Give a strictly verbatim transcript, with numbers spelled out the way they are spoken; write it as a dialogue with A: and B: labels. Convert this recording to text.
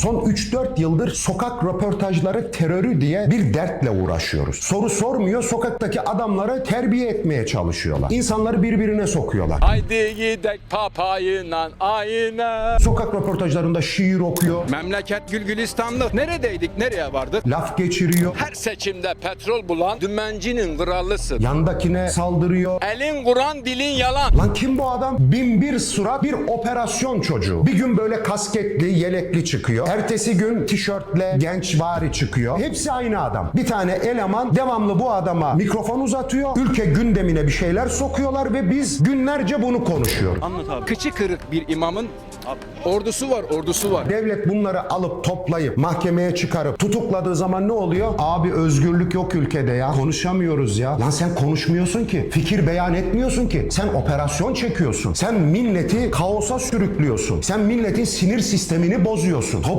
A: Son üç dört yıldır sokak röportajları terörü diye bir dertle uğraşıyoruz. Soru sormuyor, sokaktaki adamları terbiye etmeye çalışıyorlar. İnsanları birbirine sokuyorlar.
B: Haydi gidek papayla ayına.
A: Sokak röportajlarında şiir okuyor,
B: Memleket gül gülistanlı. Neredeydik, nereye vardık?
A: laf geçiriyor,
B: Her seçimde petrol bulan dümencinin krallısın.
A: yandakine saldırıyor.
B: Elin Kur'an, dilin yalan.
A: Lan kim bu adam? Bin bir surat, bir operasyon çocuğu. Bir gün böyle kasketli, yelekli çıkıyor. Ertesi gün tişörtle gençvari çıkıyor. Hepsi aynı adam. Bir tane eleman devamlı bu adama mikrofon uzatıyor. Ülke gündemine bir şeyler sokuyorlar ve biz günlerce bunu konuşuyoruz.
B: Anlat abi. Kıçı kırık bir imamın ordusu var, ordusu var.
A: Devlet bunları alıp toplayıp mahkemeye çıkarıp tutukladığı zaman ne oluyor? Abi özgürlük yok ülkede ya. Konuşamıyoruz ya. Lan sen konuşmuyorsun ki. Fikir beyan etmiyorsun ki. Sen operasyon çekiyorsun. Sen milleti kaosa sürüklüyorsun. Sen milletin sinir sistemini bozuyorsun.